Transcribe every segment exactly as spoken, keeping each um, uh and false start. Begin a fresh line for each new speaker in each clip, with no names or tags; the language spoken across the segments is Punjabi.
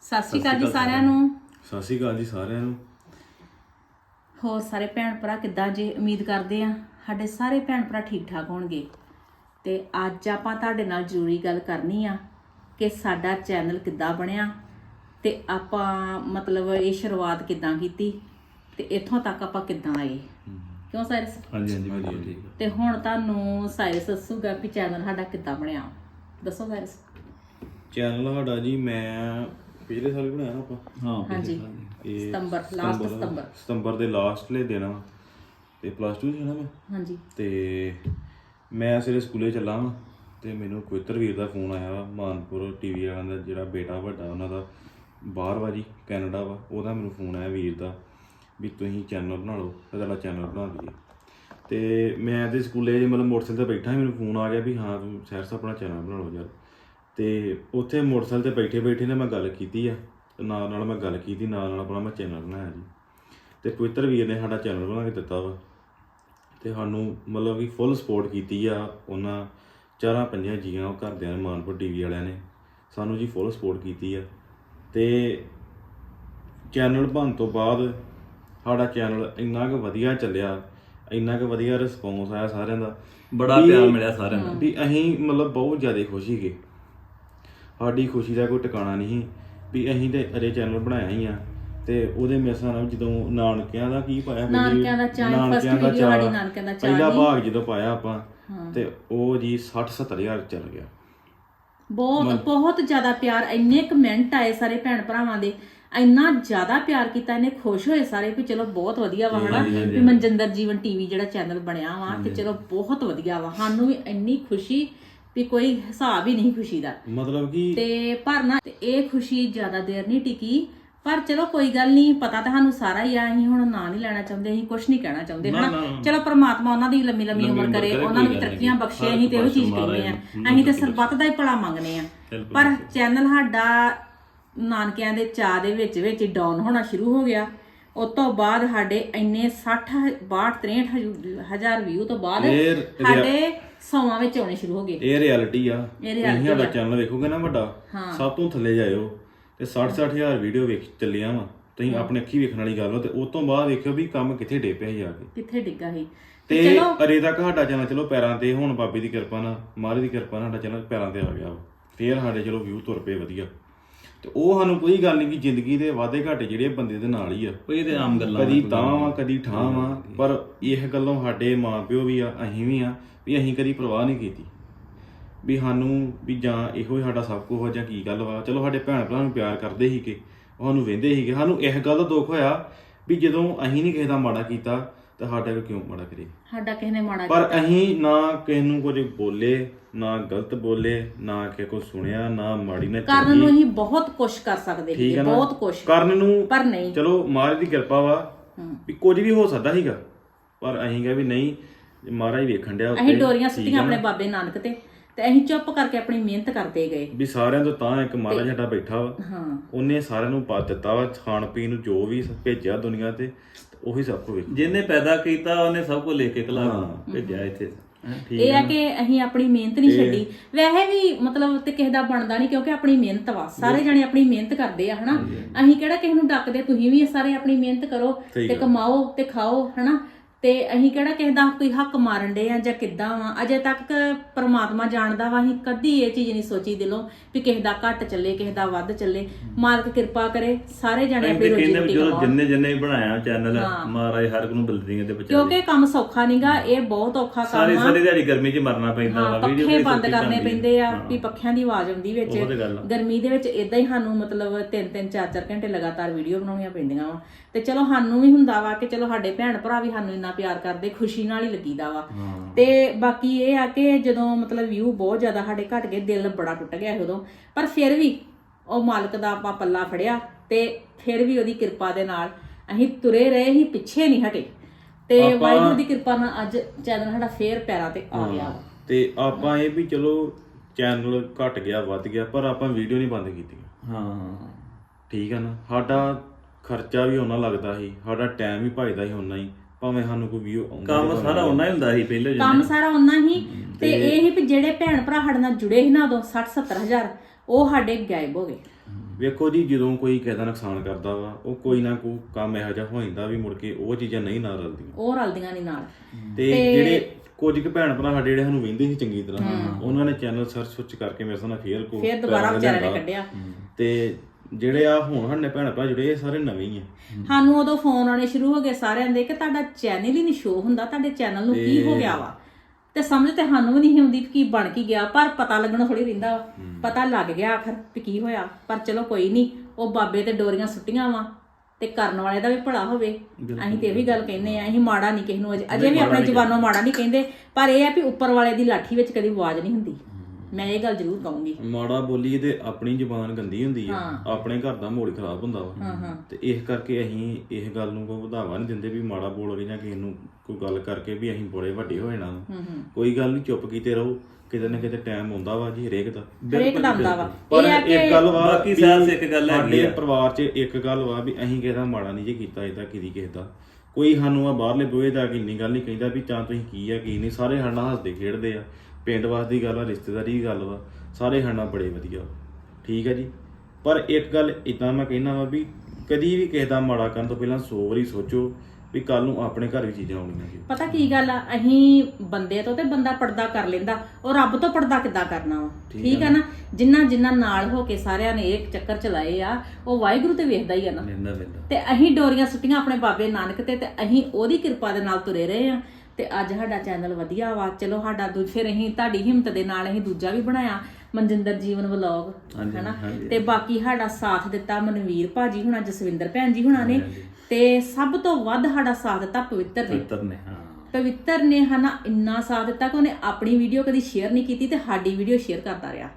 ਸਤਿ ਸ਼੍ਰੀ ਅਕਾਲ ਜੀ ਸਾਰਿਆਂ ਨੂੰ।
ਸਤਿ ਸ਼੍ਰੀ ਅਕਾਲ ਜੀ ਸਾਰਿਆਂ ਨੂੰ।
ਹੋਰ ਸਾਰੇ ਭੈਣ ਭਰਾ ਕਿੱਦਾਂ ਜੀ? ਉਮੀਦ ਕਰਦੇ ਆ ਸਾਡੇ ਸਾਰੇ ਭੈਣ ਭਰਾ ਠੀਕ ਠਾਕ ਹੋਣਗੇ। ਤੇ ਅੱਜ ਆਪਾਂ ਤੁਹਾਡੇ ਨਾਲ ਜ਼ਰੂਰੀ ਗੱਲ ਕਰਨੀ ਆ ਕਿ ਸਾਡਾ ਚੈਨਲ ਕਿੱਦਾਂ ਬਣਿਆ ਤੇ ਆਪਾਂ ਮਤਲਬ ਇਹ ਸ਼ੁਰੂਆਤ ਕਿੱਦਾਂ ਕੀਤੀ ਤੇ ਇੱਥੋਂ ਤੱਕ ਆਪਾਂ ਕਿੱਦਾਂ ਆਏ। ਕਿਉਂ ਸਾਇਰਸ?
ਹਾਂਜੀ ਹਾਂਜੀ ਵਧੀਆ।
ਤੇ ਹੁਣ ਤੁਹਾਨੂੰ ਸਾਇਰਸ ਦੱਸੂਗਾ ਕਿ ਚੈਨਲ ਸਾਡਾ ਕਿੱਦਾਂ ਬਣਿਆ। ਦੱਸੋ ਸਾਇਰਸ।
ਚੈਨਲ ਸਾਡਾ ਜੀ ਮੈਂ ਪਿਛਲੇ ਸਾਲ ਬਣਾਇਆ ਨਾ ਆਪਾਂ। ਹਾਂ
ਹਾਂਜੀ
ਇਹ
ਸਤੰਬਰ ਲਾਸਟ ਸਤੰਬਰ
ਸਤੰਬਰ ਦੇ ਲਾਸਟਲੇ ਦਿਨ ਤੇ ਪਲੱਸ ਟੂ ਸੀ ਨਾ ਮੈਂ।
ਹਾਂਜੀ
ਤੇ ਮੈਂ ਸਵੇਰੇ ਸਕੂਲੇ ਚੱਲਾ ਵਾਂ ਤੇ ਮੈਨੂੰ ਪਵਿੱਤਰ ਵੀਰ ਦਾ ਫੋਨ ਆਇਆ ਵਾ ਮਾਨਪੁਰ ਟੀਵੀ ਵਾਲਿਆਂ ਦਾ, ਜਿਹੜਾ ਬੇਟਾ ਵੱਡਾ ਉਹਨਾਂ ਦਾ ਬਾਹਰ ਵਾ ਜੀ, ਕੈਨੇਡਾ ਵਾ। ਉਹਦਾ ਮੈਨੂੰ ਫੋਨ ਆਇਆ ਵੀਰ ਦਾ ਵੀ ਤੁਸੀਂ ਚੈਨਲ ਬਣਾ ਲਓ ਤੇ ਤੁਹਾਡਾ ਚੈਨਲ ਬਣਾ ਦਈਏ। ਤੇ ਮੈਂ ਤੇ ਸਕੂਲੇ ਜੇ ਮਤਲਬ ਮੋਟਰਸਾਈਕਲ ਤੇ ਬੈਠਾ, ਮੈਨੂੰ ਫੋਨ ਆ ਗਿਆ ਵੀ ਹਾਂ ਤੂੰ ਸੈਰਸ ਆਪਣਾ ਚੈਨਲ ਬਣਾ ਲਓ ਯਾਰ। ਤੇ ਉੱਥੇ ਮੋਟਰਸਾਈਕਲ ਤੇ ਬੈਠੇ ਬੈਠੇ ਨੇ ਮੈਂ ਗੱਲ ਕੀਤੀ ਆ ਤੇ ਨਾਲ ਨਾਲ ਮੈਂ ਗੱਲ ਕੀਤੀ, ਨਾਲ ਨਾਲ ਆਪਣਾ ਮੈਂ ਚੈਨਲ ਬਣਾਇਆ ਜੀ। ਤੇ ਪਵਿੱਤਰ ਵੀਰ ਨੇ ਸਾਡਾ ਚੈਨਲ ਬਣਾ ਕੇ ਦਿੱਤਾ ਵਾ ਤੇ ਸਾਨੂੰ ਮਤਲਬ ਕਿ ਫੁੱਲ ਸਪੋਰਟ ਕੀਤੀ ਆ ਉਹਨਾਂ ਚਾਰਾਂ ਪੰਜਾਂ ਜੀਆਂ ਉਹ ਘਰਦਿਆਂ ਨੇ, ਮਾਨਪੁਰ ਟੀ ਵੀ ਵਾਲਿਆਂ ਨੇ ਸਾਨੂੰ ਜੀ ਫੁੱਲ ਸਪੋਰਟ ਕੀਤੀ ਆ। ਤੇ ਚੈਨਲ ਬਣ ਤੋਂ ਬਾਅਦ ਸਾਡਾ ਚੈਨਲ ਇੰਨਾ ਕੁ ਵਧੀਆ ਚੱਲਿਆ, ਇੰਨਾ ਕੁ ਵਧੀਆ ਰਿਸਪੌਂਸ ਆਇਆ ਸਾਰਿਆਂ ਦਾ,
ਬੜਾ ਪਿਆਰ ਮਿਲਿਆ ਸਾਰਿਆਂ ਨੂੰ
ਵੀ ਅਸੀਂ ਮਤਲਬ ਬਹੁਤ ਜ਼ਿਆਦਾ ਖੁਸ਼ ਸੀਗੇ। ਸਾਡੀ ਖੁਸ਼ੀ ਦਾ ਕੋਈ ਟਿਕਾਣਾ ਨਹੀਂ ਵੀ ਅਸੀਂ ਤੇ ਅਰੇ ਚੈਨਲ ਬਣਾਇਆ ਹੀ ਆ। ਤੇ ਉਹਦੇ ਮੇਰੇ ਨਾਲ ਜਦੋਂ ਨਾਨਕਿਆਂ ਦਾ ਕੀ ਪਾਇਆ,
ਨਾਨਕਿਆਂ ਦਾ ਚਾਅ, ਫਸਟ ਵੀਡੀਓ ਸਾਡੀ ਨਾਨਕਿਆਂ ਦਾ ਚਾਅ,
ਪਹਿਲਾ ਭਾਗ ਜਦੋਂ ਪਾਇਆ ਆਪਾਂ ਤੇ ਉਹ ਜੀ ਸੱਠ ਸੱਤਰ ਹਜ਼ਾਰ ਚੱਲ ਗਿਆ।
ਬਹੁਤ ਬਹੁਤ ਜ਼ਿਆਦਾ ਪਿਆਰ, ਇੰਨੇ ਕਮੈਂਟ ਆਏ ਸਾਰੇ ਭੈਣ ਭਰਾਵਾਂ ਦੇ, ਇੰਨਾ ਜ਼ਿਆਦਾ ਪਿਆਰ ਕੀਤਾ, ਇਹਨੇ ਖੁਸ਼ ਹੋਏ ਸਾਰੇ ਵੀ ਚਲੋ ਬਹੁਤ ਵਧੀਆ ਵਾ ਹਨਾ ਵੀ ਮਨਜਿੰਦਰ ਜੀਵਨ ਟੀਵੀ ਜਿਹੜਾ ਚੈਨਲ ਬਣਿਆ ਵਾ ਤੇ ਚਲੋ ਬਹੁਤ ਵਧੀਆ ਵਾ। ਸਾਨੂੰ ਵੀ ਇੰਨੀ ਖੁਸ਼ੀ ਵੀ ਕੋਈ ਹਿਸਾਬ ਹੀ ਨਹੀਂ ਖੁਸ਼ੀ ਦਾ,
ਮਤਲਬ ਕਿ
ਤੇ ਪਰ ਨਾ ਇਹ ਖੁਸ਼ੀ ਜ਼ਿਆਦਾ ਦੇਰ ਨਹੀਂ ਟਿਕੀ। ਪਰ ਚਲੋ ਕੋਈ ਗੱਲ ਨਹੀਂ, ਪਤਾ ਤਾਂ ਸਾਨੂੰ ਸਾਰਾ ਹੀ ਆ, ਅਸੀਂ ਹੁਣ ਨਾਂ ਨਹੀਂ ਲੈਣਾ ਚਾਹੁੰਦੇ, ਅਸੀਂ ਕੁਝ ਨਹੀਂ ਕਹਿਣਾ ਚਾਹੁੰਦੇ ਹਨਾ। ਚਲੋ ਪ੍ਰਮਾਤਮਾ ਉਹਨਾਂ ਦੀ ਲੰਮੀ ਲੰਮੀ ਉਮਰ ਕਰੇ, ਉਹਨਾਂ ਨੂੰ ਤਰੱਕੀਆਂ ਬਖਸ਼ੇ, ਅਸੀਂ ਤੇ ਉਹ ਚੀਜ਼ ਕਹਿੰਦੇ ਆ, ਅਸੀਂ ਤੇ ਸਰਬੱਤ ਦਾ ਹੀ ਭਲਾ ਮੰਗਨੇ ਆ। ਪਰ ਚੈਨਲ ਸਾਡਾ ਨਾਨਕਿਆਂ ਦੇ ਚਾਅ ਦੇ ਵਿੱਚ ਵਿੱਚ ਡਾਊਨ ਹੋਣਾ ਸ਼ੁਰੂ ਹੋ ਗਿਆ। ਉਸ ਤੋਂ ਬਾਅਦ ਸਾਡੇ ਇੰਨੇ ਸੱਠ ਬਾਹਠ ਤਰੇਂਠ ਹਜ਼ਾਰ ਵਿਊ ਤੋਂ ਬਾਅਦ ਸਾਡੇ ਸੌਵਾਂ ਵਿੱਚ ਆਉਣੇ ਸ਼ੁਰੂ ਹੋ ਗਏ।
ਇਹ ਰਿਐਲਿਟੀ ਆ। ਤੁਸੀਂ ਸਾਡਾ ਚੈਨਲ ਵੇਖੋਗੇ ਨਾ ਵੱਡਾ, ਸਭ ਤੋਂ ਥੱਲੇ ਜਾਇਓ ਤੇ ਸੱਠ ਸੱਠ ਹਜ਼ਾਰ ਵੀਡੀਓ ਵੇਖ ਚੱਲੀਆਂ ਵਾ, ਤੁਸੀਂ ਆਪਣੀ ਅੱਖੀ ਵੇਖਣ ਵਾਲੀ ਗੱਲ ਹੋ। ਤੇ ਉਸ ਤੋਂ ਬਾਅਦ ਵੇਖਿਓ ਵੀ ਕੰਮ ਕਿੱਥੇ ਡੇ ਪਿਆ ਜਾ ਕੇ,
ਕਿੱਥੇ ਡਿੱਗਾ ਸੀ।
ਤੇ ਅਰੇ ਤੱਕ ਸਾਡਾ ਚੈਨਲ ਚਲੋ ਪੈਰਾਂ ਤੇ, ਹੁਣ ਬਾਬੇ ਦੀ ਕਿਰਪਾ ਨਾਲ, ਮਹਾਰਾਜ ਦੀ ਕਿਰਪਾ ਨਾਲ ਸਾਡਾ ਚੈਨਲ ਪੈਰਾਂ ਤੇ ਆ ਗਿਆ ਵਾ। ਫੇਰ ਸਾਡੇ ਚਲੋ ਵਿਊ ਤੁਰ ਪਏ ਵਧੀਆ। ਤੇ ਉਹ ਸਾਨੂੰ ਕੋਈ ਗੱਲ ਨਹੀਂ ਕਿ ਜ਼ਿੰਦਗੀ ਦੇ ਵਾਧੇ ਘਾਟੇ ਜਿਹੜੇ ਬੰਦੇ ਦੇ ਨਾਲ ਹੀ ਆ,
ਇਹ ਤੇ ਆਮ ਗੱਲਾਂ,
ਕਦੀ ਤਾਂ ਵਾ ਕਦੀ ਠਾਂ ਵਾ। ਪਰ ਇਹ ਗੱਲੋਂ ਸਾਡੇ ਮਾਂ ਪਿਓ ਵੀ ਆ, ਅਸੀਂ ਵੀ ਆ, ਵੀ ਅਸੀਂ ਕਦੀ ਪਰਵਾਹ ਨਹੀਂ ਕੀਤੀ ਵੀ ਸਾਨੂੰ ਵੀ ਜਾਂ ਇਹੋ ਹੀ ਸਾਡਾ ਸਭ ਕੁਝ ਹੋ ਜਾਂ ਕੀ ਗੱਲ ਵਾ। ਚਲੋ ਸਾਡੇ ਭੈਣ ਭਰਾ ਨੂੰ ਪਿਆਰ ਕਰਦੇ ਸੀਗੇ, ਉਹ ਸਾਨੂੰ ਵਹਿੰਦੇ ਸੀਗੇ। ਸਾਨੂੰ ਇਸ ਗੱਲ ਦਾ ਦੁੱਖ ਹੋਇਆ ਵੀ ਜਦੋਂ ਅਸੀਂ ਨਹੀਂ ਕਿਸੇ ਦਾ ਮਾੜਾ ਕੀਤਾ ਤਾਂ ਸਾਡਾ ਕੋਈ ਕਿਉਂ ਮਾੜਾ ਕਰੇ।
ਸਾਡਾ ਕਿਸੇ ਨੇ ਮਾੜਾ
ਪਰ ਅਸੀਂ ਨਾ ਕਿਸੇ ਨੂੰ ਕੁਝ ਬੋਲੇ, ਨਾ ਗਲਤ ਬੋਲੇ, ਨਾ ਕਿਸੇ ਕੋ ਸੁਣਿਆ, ਨਾ ਮਾੜੀ ਨਾ ਚੰਗੀ।
ਕਰਨ ਨੂੰ ਅਸੀਂ ਬਹੁਤ ਕੁਛ ਕਰ ਸਕਦੇ ਸੀਗੇ, ਬਹੁਤ ਕੁਛ
ਕਰਨ ਨੂੰ,
ਪਰ ਨਹੀਂ।
ਚਲੋ ਮਹਾਰਾਜ ਦੀ ਕਿਰਪਾ ਵਾ ਵੀ ਕੁਝ ਵੀ ਹੋ ਸਕਦਾ ਸੀਗਾ, ਪਰ ਅਸੀਂ ਕਿਹਾ ਵੀ ਨਹੀਂ, ਮਹਾਰਾਜ ਵੇਖਣ ਡਿਆ।
ਅਸੀਂ ਡੋਰੀਆਂ ਸੁੱਟੀਆਂ ਆਪਣੇ ਬਾਬੇ ਨਾਨਕ ਤੇ ਤੇ ਅਸੀਂ ਚੁੱਪ ਕਰਕੇ ਆਪਣੀ ਮਿਹਨਤ ਕਰਦੇ ਗਏ
ਵੀ ਸਾਰਿਆਂ ਤੋਂ ਤਾਂ ਇੱਕ ਮਹਾਰਾਜ ਸਾਡਾ ਬੈਠਾ ਵਾ,
ਹਾਂ
ਉਹਨੇ ਸਾਰਿਆਂ ਨੂੰ ਪਾ ਦਿੱਤਾ ਵਾ ਖਾਣ ਪੀਣ ਨੂੰ, ਜੋ ਵੀ ਭੇਜਿਆ ਦੁਨੀਆ ਤੇ ਉਹੀ ਸਭ ਕੁਝ ਵੇਖ।
ਜਿਹਨੇ ਪੈਦਾ ਕੀਤਾ ਉਹਨੇ ਸਭ ਕੁਝ ਲੈ ਕੇ ਕਲਾ ਭੇਜਿਆ ਇੱਥੇ।
ਇਹ ਆ ਕਿ ਅਸੀਂ ਆਪਣੀ ਮਿਹਨਤ ਨਹੀਂ ਛੱਡੀ। ਵੈਸੇ ਵੀ ਮਤਲਬ ਤੇ ਕਿਸੇ ਦਾ ਬਣਦਾ ਨਹੀਂ, ਕਿਉਂਕਿ ਆਪਣੀ ਮਿਹਨਤ ਵਾ, ਸਾਰੇ ਜਣੇ ਆਪਣੀ ਮਿਹਨਤ ਕਰਦੇ ਆ ਹਨਾ। ਅਸੀਂ ਕਿਹੜਾ ਕਿਸੇ ਨੂੰ ਡੱਕਦੇ, ਤੁਸੀਂ ਵੀ ਸਾਰੇ ਆਪਣੀ ਮਿਹਨਤ ਕਰੋ ਤੇ ਕਮਾਓ ਤੇ ਖਾਓ ਹਨਾ। ਤੇ ਅਸੀਂ ਕਿਹੜਾ ਕਿਸੇ ਦਾ ਕੋਈ ਹੱਕ ਮਾਰਨ ਡੇ ਆ ਜਾਂ ਕਿੱਦਾਂ ਵਾ। ਅਜੇ ਤੱਕ ਪਰਮਾਤਮਾ ਜਾਣਦਾ ਵਾ, ਅਸੀਂ ਕਦੀ ਇਹ ਚੀਜ਼ ਨਹੀਂ ਸੋਚੀ ਦਿਲੋਂ ਵੀ ਕਿਸੇ ਦਾ ਘੱਟ ਚੱਲੇ, ਕਿਸੇ ਦਾ ਵੱਧ ਚੱਲੇ। ਮਾਲਕ ਕਿਰਪਾ ਕਰੇ, ਸਾਰੇ ਜਾਣੇ ਆਪਣੀ ਰੋਜੀ ਰੋਟੀ ਕਮਾਓ।
ਜਿੰਨੇ ਜਿੰਨੇ ਬਣਾਇਆ ਚੈਨਲ, ਮਹਾਰਾਜ ਹਰ ਇੱਕ ਨੂੰ ਬਲਦੀਆਂ ਤੇ ਬਚਾਏ,
ਕਿਉਂਕਿ ਕੰਮ ਸੌਖਾ ਨਹੀਂਗਾ, ਇਹ ਬਹੁਤ ਔਖਾ ਕੰਮ ਆ।
ਸਾਰੀ ਸਾਰੀ ਦਿਹਾੜੀ ਗਰਮੀ 'ਚ ਮਰਨਾ ਪੈਂਦਾ ਵਾ,
ਪੱਖੇ ਬੰਦ ਕਰਨੇ ਪੈਂਦੇ ਆ ਵੀ ਪੱਖਿਆਂ ਦੀ ਆਵਾਜ਼ ਆਉਂਦੀ ਵਿੱਚ। ਗਰਮੀ ਦੇ ਵਿੱਚ ਇਦਾਂ ਹੀ ਸਾਨੂੰ ਮਤਲਬ ਤਿੰਨ ਤਿੰਨ ਚਾਰ ਚਾਰ ਘੰਟੇ ਲਗਾਤਾਰ ਵੀਡੀਓ ਬਣਾਉਣੀਆਂ ਪੈਂਦੀਆਂ ਵਾ। ਤੇ ਚਲੋ ਸਾਨੂੰ ਵੀ ਹੁੰਦਾ ਵਾ ਕਿ ਚਲੋ ਸਾਡੇ ਭੈਣ ਭਰਾ ਵੀ ਸਾਨੂੰ ਇੰਨਾ ਪਿਆਰ ਕਰਦੇ, ਖੁਸ਼ੀ ਨਾਲ ਹੀ ਲੱਗੀਦਾ ਵਾ। ਤੇ ਬਾਕੀ ਇਹ ਆ ਕਿ ਜਦੋਂ ਮਤਲਬ ਵਿਊ ਬਹੁਤ ਜ਼ਿਆਦਾ ਸਾਡੇ ਘਟ ਗਏ, ਦਿਲ ਬੜਾ ਟੁੱਟ ਗਿਆ ਉਦੋਂ। ਪਰ ਫਿਰ ਵੀ ਉਹ ਮਾਲਕ ਦਾ ਆਪਾਂ ਪੱਲਾ ਫੜਿਆ ਤੇ ਫਿਰ ਵੀ ਉਹਦੀ ਕਿਰਪਾ ਦੇ ਨਾਲ ਅਸੀਂ ਤੁਰੇ ਰਹੇ ਹੀ, ਪਿੱਛੇ ਨਹੀਂ ਹਟੇ। ਤੇ ਵਾਹਿਗੁਰੂ ਦੀ ਕਿਰਪਾ ਨਾਲ ਅੱਜ ਚੈਨਲ ਸਾਡਾ ਫੇਰ ਪੈਰਾਂ ਤੇ ਆ ਗਿਆ।
ਤੇ ਆਪਾਂ ਇਹ ਵੀ ਚਲੋ ਚੈਨਲ ਘਟ ਗਿਆ ਵੱਧ ਗਿਆ, ਪਰ ਆਪਾਂ ਵੀਡੀਓ ਨਹੀਂ ਬੰਦ ਕੀਤੀ।
ਹਾਂ
ਠੀਕ ਆ ਨਾ, ਸਾਡਾ ਖਰਚਾ ਵੀ ਉਹਨਾਂ ਲੱਗਦਾ ਸੀ, ਸਾਡਾ ਟਾਈਮ ਵੀ ਭਜਦਾ ਸੀ ਉਹਨਾਂ ਹੀ, ਭਾਵੇਂ ਸਾਨੂੰ ਕੋਈ ਵੀਊ
ਕੰਮ ਸਾਰਾ ਉਹਨਾਂ ਹੀ ਹੁੰਦਾ ਸੀ ਪਹਿਲੇ
ਕੰਮ ਸਾਰਾ ਉਹਨਾਂ ਹੀ ਤੇ ਇਹ ਹੀ ਵੀ ਜਿਹੜੇ ਭੈਣ ਭਰਾ ਸਾਡੇ ਨਾਲ ਜੁੜੇ ਸੀ ਨਾ ਉਦੋਂ ਸੱਠ ਸੱਤਰ ਹਜ਼ਾਰ ਉਹ ਸਾਡੇ ਗਾਇਬ ਹੋ ਗਏ।
ਵੇਖੋ ਜੀ ਜਦੋਂ ਕੋਈ ਕਿਸੇ ਦਾ ਨੁਕਸਾਨ ਕਰਦਾ ਵਾ ਉਹ ਕੋਈ ਨਾ ਕੋਈ ਕੰਮ ਇਹੋ ਜਿਹਾ ਹੋ ਜਾਂਦਾ ਵੀ ਮੁੜ ਕੇ ਉਹ ਚੀਜ਼ਾਂ ਨਹੀਂ ਨਾਲ ਰਲਦੀਆਂ,
ਉਹ ਰਲਦੀਆਂ ਨਹੀਂ ਨਾਲ।
ਤੇ ਜਿਹੜੇ ਕੁਝ ਕੁ ਭੈਣ ਭਰਾ ਸਾਡੇ ਜਿਹੜੇ ਸਾਨੂੰ ਵਹਿੰਦੇ ਸੀ ਚੰਗੀ ਤਰ੍ਹਾਂ ਉਹਨਾਂ ਨੇ ਚੈਨਲ ਸਰਚ ਸੁਰਚ ਕਰਕੇ ਮੇਰੇ ਸਾਹਮਣੇ ਫੇਰ ਕੋ
ਫੇਰ ਦੁਬਾਰਾ ਵਿਚਾਰਿਆਂ ਨੇ ਕੱਢਿਆ।
ਤੇ ਜਿਹੜੇ ਆ ਹੁਣ ਸਾਡੇ ਭੈਣ ਭਰਾ ਜਿਹੜੇ ਇਹ ਸਾਰੇ ਨਵੇਂ ਹੀ ਆ।
ਸਾਨੂੰ ਉਦੋਂ ਫੋਨ ਆਉਣੇ ਸ਼ੁਰੂ ਹੋ ਗਏ ਸਾਰਿਆਂ ਦੇ ਕਿ ਤੁਹਾਡਾ ਚੈਨਲ ਹੀ ਨਹੀਂ ਸ਼ੋ ਹੁੰਦਾ, ਤੁਹਾਡੇ ਚੈਨਲ ਨੂੰ ਕੀ ਹੋ ਗਿਆ ਵਾ। ਤੇ ਸਮਝ ਤੇ ਸਾਨੂੰ ਵੀ ਨਹੀਂ ਆਉਂਦੀ ਕੀ ਬਣ ਕੀ ਗਿਆ, ਪਰ ਪਤਾ ਲੱਗਣਾ ਥੋੜੀ ਰਹਿੰਦਾ ਵਾ। ਪਤਾ ਲੱਗ ਗਿਆ ਆਖਰ ਵੀ ਕੀ ਹੋਇਆ, ਪਰ ਚਲੋ ਕੋਈ ਨਹੀਂ, ਉਹ ਬਾਬੇ ਤੇ ਡੋਰੀਆਂ ਸੁੱਟੀਆਂ ਵਾ ਤੇ ਕਰਨ ਵਾਲੇ ਦਾ ਵੀ ਭਲਾ ਹੋਵੇ। ਅਸੀਂ ਤੇ ਇਹ ਵੀ ਗੱਲ ਕਹਿੰਦੇ ਆ, ਅਸੀਂ ਮਾੜਾ ਨਹੀਂ ਕਿਸੇ ਨੂੰ ਅਜੇ ਅਜੇ ਵੀ ਆਪਣੇ ਜ਼ਬਾਨੋਂ ਮਾੜਾ ਨਹੀਂ ਕਹਿੰਦੇ, ਪਰ ਇਹ ਆ ਵੀ ਉੱਪਰ ਵਾਲੇ ਦੀ ਲਾਠੀ ਵਿੱਚ ਕਦੀ ਆਵਾਜ਼ ਨਹੀਂ ਹੁੰਦੀ। ਮੈਂ ਇਹ ਗੱਲ ਜ਼ਰੂਰ ਕਹੂੰਗੀ,
ਮਾੜਾ ਬੋਲੀਏ ਤੇ ਆਪਣੀ ਜ਼ੁਬਾਨ ਗੰਦੀ ਹੁੰਦੀ ਆ, ਆਪਣੇ ਘਰ ਦਾ ਮਾਹੌਲ ਖਰਾਬ ਹੁੰਦਾ ਵਾ। ਤੇ ਇਸ ਕਰਕੇ ਅਸੀਂ ਇਸ ਗੱਲ ਨੂੰ ਕੋਈ ਵਧਾਵਾ ਨਹੀਂ ਦਿੰਦੇ ਵੀ ਮਾੜਾ ਬੋਲ ਕੇ ਜਾਂ ਕਿਸੇ ਨੂੰ ਕੋਈ ਗੱਲ ਕਰਕੇ ਵੀ ਅਸੀਂ ਬੜੇ ਵੱਡੇ ਹੋ ਜਾਣਾ। ਕੋਈ ਗੱਲ ਨਹੀਂ, ਚੁੱਪ ਕੀਤੇ ਰਹੋ, ਕਿਤੇ ਨਾ ਕਿਤੇ ਟਾਈਮ ਆਉਂਦਾ ਵਾ ਜੀ ਹਰੇਕ ਦਾ,
ਹਰੇਕ ਦਾ ਆਉਂਦਾ ਵਾ।
ਪਰ ਇੱਕ ਗੱਲ ਵਾ
ਬਾਕੀ ਸਾਲ ਇੱਕ ਗੱਲ ਹੈਗੀ
ਸਾਡੇ ਪਰਿਵਾਰ 'ਚ ਇੱਕ ਗੱਲ ਵਾ ਵੀ ਅਸੀਂ ਕਿਸੇ ਦਾ ਮਾੜਾ ਨਹੀਂ ਜੇ ਕੀਤਾ ਇਹਦਾ ਕਿਦੀ ਕਿਸੇ ਦਾ। ਕੋਈ ਸਾਨੂੰ ਆ ਬਾਹਰਲੇ ਬੂਹੇ ਦਾ ਇੰਨੀ ਗੱਲ ਨਹੀਂ ਕਹਿੰਦਾ ਵੀ ਚਾਹ ਤੁਸੀਂ ਕੀ ਆ ਕੀ ਨਹੀਂ, ਸਾਰੇ ਸਾਡੇ ਨਾਲ ਹੱਸਦੇ ਖੇਡਦੇ ਆ। ਪਿੰਡ ਵਾਸ ਦੀ ਗੱਲ ਆ, ਰਿਸ਼ਤੇਦਾਰੀ ਦੀ ਗੱਲ ਵਾ, ਸਾਰੇ ਸਾਡੇ ਨਾਲ ਬੜੇ ਵਧੀਆ, ਠੀਕ ਹੈ ਜੀ। ਪਰ ਇੱਕ ਗੱਲ ਇੱਦਾਂ ਮੈਂ ਕਹਿਣਾ ਵਾ ਵੀ ਕਦੀ ਵੀ ਕਿਸੇ ਦਾ ਮਾੜਾ ਕਰਨ ਤੋਂ ਪਹਿਲਾਂ ਸੌ ਵਾਰੀ ਸੋਚੋ ਵੀ ਕੱਲ ਨੂੰ ਆਪਣੇ ਘਰ ਵੀ ਚੀਜ਼ਾਂ ਆਉਣੀਆਂ ਜੀ।
ਪਤਾ ਕੀ ਗੱਲ ਆ, ਅਸੀਂ ਬੰਦੇ ਤੋਂ ਤੇ ਬੰਦਾ ਪਰਦਾ ਕਰ ਲੈਂਦਾ, ਉਹ ਰੱਬ ਤੋਂ ਪਰਦਾ ਕਿੱਦਾਂ ਕਰਨਾ ਵਾ, ਠੀਕ ਆ ਨਾ। ਜਿੰਨਾ ਜਿੰਨਾ ਨਾਲ ਹੋ ਕੇ ਸਾਰਿਆਂ ਨੇ ਇੱਕ ਚੱਕਰ ਚਲਾਏ ਆ, ਉਹ ਵਾਹਿਗੁਰੂ ਤੇ ਵੇਖਦਾ ਹੀ ਆ ਨਾ। ਤੇ ਅਸੀਂ ਡੋਰੀਆਂ ਸੁੱਟੀਆਂ ਆਪਣੇ ਬਾਬੇ ਨਾਨਕ ਤੇ ਤੇ ਅਸੀਂ ਉਹਦੀ ਕਿਰਪਾ ਦੇ ਨਾਲ ਤੁਰੇ ਰਹੇ ਆ। ਤੇ ਅੱਜ ਸਾਡਾ ਚੈਨਲ ਵਧੀਆ ਵਾ, ਚਲੋ ਸਾਡਾ ਦੂਜੇ ਫਿਰ ਅਸੀਂ ਤੁਹਾਡੀ ਹਿੰਮਤ ਦੇ ਨਾਲ ਅਸੀਂ ਦੂਜਾ ਵੀ ਬਣਾਇਆ, ਮਨਜਿੰਦਰ ਜੀਵਨ ਵਲੌਗ, ਹਨਾ। ਤੇ ਬਾਕੀ ਸਾਡਾ ਸਾਥ ਦਿੱਤਾ ਮਨਵੀਰ ਭਾਜੀ ਹੁਣਾ, ਜਸਵਿੰਦਰ ਭੈਣ ਜੀ ਹੁਣਾ ਨੇ, ਤੇ ਸਭ ਤੋਂ ਵੱਧ ਸਾਡਾ ਸਾਥ ਦਿੱਤਾ ਪਵਿੱਤਰ ਨੇ। ਪਵਿੱਤਰ ਨੇ ਹਨਾ ਇੰਨਾ ਸਾਥ ਦਿੱਤਾ ਕਿ ਉਹਨੇ ਆਪਣੀ ਵੀਡੀਓ ਕਦੀ ਸ਼ੇਅਰ ਨਹੀਂ ਕੀਤੀ ਤੇ ਸਾਡੀ ਵੀਡੀਓ ਸ਼ੇਅਰ ਕਰਦਾ ਰਿਹਾ।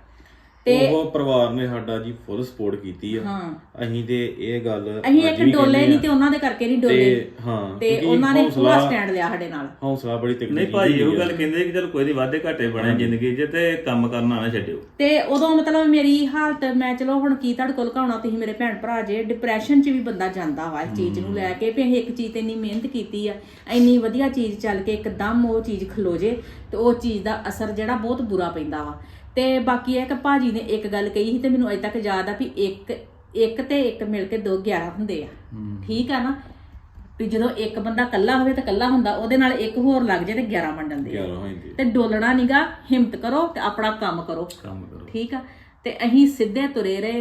ਉਹ ਪਰਿਵਾਰ ਨੇ ਸਾਡਾ ਜੀ ਫੁੱਲ ਸਪੋਰਟ ਕੀਤੀ ਆ। ਅਸੀਂ ਤੇ ਇਹ ਗੱਲ
ਅਸੀਂ ਇੱਕ ਡੋਲੇ ਨਹੀਂ ਤੇ ਉਹਨਾਂ ਦੇ ਕਰਕੇ ਨਹੀਂ ਡੋਲੇ।
ਹਾਂ,
ਤੇ ਉਹਨਾਂ ਨੇ ਪੂਰਾ ਸਟੈਂਡ ਲਿਆ ਸਾਡੇ ਨਾਲ,
ਹੌਸਲਾ ਬੜੀ ਤਕੜੀ।
ਨਹੀਂ ਭਾਈ ਇਹੋ ਗੱਲ ਕਹਿੰਦੇ ਕਿ ਚਲ ਕੋਈ ਨਹੀਂ ਵਾਧੇ ਘਾਟੇ ਬਣੇ ਜ਼ਿੰਦਗੀ 'ਚ ਤੇ ਕੰਮ ਕਰਨਾ ਨਾ ਛੱਡਿਓ।
ਤੇ ਉਦੋਂ ਮਤਲਬ ਮੇਰੀ ਹਾਲਤ, ਮੈਂ ਚਲੋ ਹੁਣ ਕੀ ਤੁਹਾਡੇ ਕੋਲ ਕਹਾਉਣਾ, ਤੁਸੀਂ ਮੇਰੇ ਭੈਣ ਭਰਾ ਜੇ, ਡਿਪਰੈਸ਼ਨ 'ਚ ਵੀ ਬੰਦਾ ਜਾਂਦਾ ਵਾ ਇਸ ਚੀਜ਼ ਨੂੰ ਲੈ ਕੇ ਵੀ ਅਸੀਂ ਇੱਕ ਚੀਜ਼ ਤੇ ਇੰਨੀ ਮਿਹਨਤ ਕੀਤੀ ਆ, ਇੰਨੀ ਵਧੀਆ ਚੀਜ਼ ਚੱਲ ਕੇ ਇੱਕਦਮ ਉਹ ਚੀਜ਼ ਖਲੋ ਜੇ ਤੇ ਉਹ ਚੀਜ਼ ਦਾ ਅਸਰ ਜਿਹੜਾ ਬਹੁਤ ਬੁਰਾ ਪੈਂਦਾ ਵਾ। ਤੇ ਬਾਕੀ ਇਹ ਕਿ ਭਾਜੀ ਨੇ ਇੱਕ ਗੱਲ ਕਹੀ ਸੀ ਤੇ ਮੈਨੂੰ ਅਜੇ ਤੱਕ ਯਾਦ ਆ ਵੀ ਇੱਕ ਇੱਕ ਤੇ ਇੱਕ ਮਿਲ ਕੇ ਦੋ ਗਿਆਰਾਂ ਹੁੰਦੇ ਆ, ਠੀਕ ਆ ਨਾ। ਵੀ ਜਦੋਂ ਇੱਕ ਬੰਦਾ ਇਕੱਲਾ ਹੋਵੇ ਤਾਂ ਇਕੱਲਾ ਹੁੰਦਾ, ਉਹਦੇ ਨਾਲ ਇੱਕ ਹੋਰ ਲੱਗ ਜਾਏ ਤੇ ਗਿਆਰਾਂ ਬਣ ਜਾਂਦੇ ਆ। ਤੇ ਡੋਲਣਾ ਨੀਗਾ, ਹਿੰਮਤ ਕਰੋ ਤੇ ਆਪਣਾ ਕੰਮ ਕਰੋ, ਠੀਕ ਆ। ਤੇ ਅਸੀਂ ਸਿੱਧੇ ਤੁਰੇ ਰਹੇ।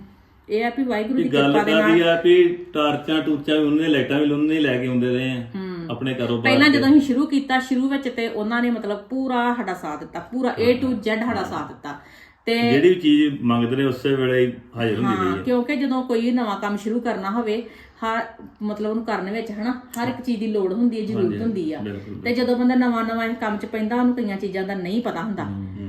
ਇਹ ਆ ਵੀ ਵਾਹਿਗੁਰੂ ਦੀ ਕਿਰਪਾ ਦੇ ਨਾਲ
ਆ ਵੀ ਟਾਰਚਾਂ ਟੂਚਾਂ ਵੀ ਉਹਨੇ ਲਾਈਟਾਂ ਵੀ ਉਹਨੇ ਲੈ ਕੇ ਆਉਂਦੇ ਰਹੇ ਆ ਆਪਣੇ ਕਾਰੋਬਾਰ।
ਪਹਿਲਾਂ ਜਦੋਂ ਅਸੀਂ ਸ਼ੁਰੂ ਕੀਤਾ, ਸ਼ੁਰੂ ਵਿੱਚ ਤੇ ਉਹਨਾਂ ਨੇ ਮਤਲਬ ਪੂਰਾ ਸਾਡਾ ਸਾਥ ਦਿੱਤਾ, ਪੂਰਾ A to Z ਸਾਡਾ ਸਾਥ ਦਿੱਤਾ। ਤੇ
ਜਿਹੜੀ ਵੀ ਚੀਜ਼ ਮੰਗਦੇ ਨੇ ਉਸੇ ਵੇਲੇ ਹੀ ਹਾਜ਼ਰ ਹੁੰਦੀ
ਹਾਂ, ਕਿਉਂਕਿ ਜਦੋਂ ਕੋਈ ਨਵਾਂ ਕੰਮ ਸ਼ੁਰੂ ਕਰਨਾ ਹੋਵੇ, ਹਰ ਮਤਲਬ ਉਹਨੂੰ ਕਰਨ ਵਿੱਚ ਹਨਾ ਹਰ ਇੱਕ ਚੀਜ਼ ਦੀ ਲੋੜ ਹੁੰਦੀ ਹੈ, ਜ਼ਰੂਰਤ ਹੁੰਦੀ ਆ। ਤੇ ਜਦੋਂ ਬੰਦਾ ਨਵਾਂ ਨਵਾਂ ਇਹ ਕੰਮ 'ਚ ਪੈਂਦਾ, ਉਹਨੂੰ ਕਈਆਂ ਚੀਜ਼ਾਂ ਦਾ ਨਹੀਂ ਪਤਾ ਹੁੰਦਾ।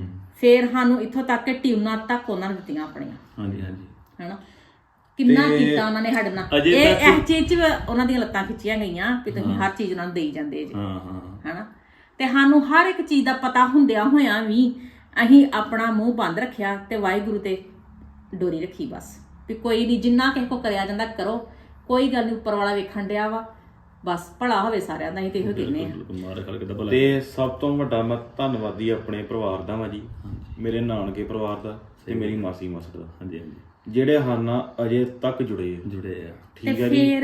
ਫੇਰ ਸਾਨੂੰ ਇੱਥੋਂ ਤੱਕ ਕਿ ਟਿਊਨਾਂ ਤੱਕ ਉਹਨਾਂ ਨੇ ਦਿੱਤੀਆਂ ਆਪਣੀਆਂ।
ਹਾਂਜੀ ਹਾਂਜੀ,
ਹਨਾ ਕਿੰਨਾ ਕੀਤਾ ਉਹਨਾਂ ਨੇ ਸਾਡੇ ਨਾਲ। ਇਹ ਇਸ ਚੀਜ਼ 'ਚ ਉਹਨਾਂ ਦੀਆਂ ਲੱਤਾਂ ਖਿੱਚੀਆਂ ਗਈਆਂ ਵੀ ਤੁਸੀਂ ਹਰ ਚੀਜ਼ ਉਹਨਾਂ ਨੂੰ ਦੇਈ ਜਾਂਦੇ ਜੀ, ਹਨਾ। ਤੇ ਸਾਨੂੰ ਹਰ ਇੱਕ ਚੀਜ਼ ਦਾ ਪਤਾ ਹੁੰਦਿਆਂ ਹੋਇਆਂ ਵੀ ਅਸੀਂ ਆਪਣਾ ਮੂੰਹ ਬੰਦ ਰੱਖਿਆ ਤੇ ਵਾਹਿਗੁਰੂ ਤੇ ਡੋਰੀ ਰੱਖੀ ਬਸ, ਵੀ ਕੋਈ ਨਹੀਂ, ਜਿੰਨਾ ਕਿਸੇ ਕੋ ਕਰਿਆ ਜਾਂਦਾ ਕਰੋ, ਕੋਈ ਗੱਲ ਨਹੀਂ, ਉੱਪਰ ਵਾਲਾ ਵੇਖਣ ਡਿਆ ਵਾ, ਬਸ ਭਲਾ ਹੋਵੇ ਸਾਰਿਆਂ ਦਾ। ਅਸੀਂ ਤੇ ਇਹੋ ਕਹਿੰਦੇ ਆ।
ਤੇ ਸਭ ਤੋਂ ਵੱਡਾ ਮੈਂ ਧੰਨਵਾਦੀ ਆਪਣੇ ਪਰਿਵਾਰ ਦਾ ਵਾ ਜੀ, ਮੇਰੇ ਨਾਨਕੇ ਪਰਿਵਾਰ ਦਾ ਤੇ ਮੇਰੀ ਮਾਸੀ ਮਾਸੜ ਦਾ, ਹਾਂਜੀ ਹਾਂਜੀ, ਜਿਹੜੇ ਹਾਨਾ ਅਜੇ ਤੱਕ ਜੁੜੇ ਜੁੜੇ ਆ, ਠੀਕ ਹੈ ਜੀ।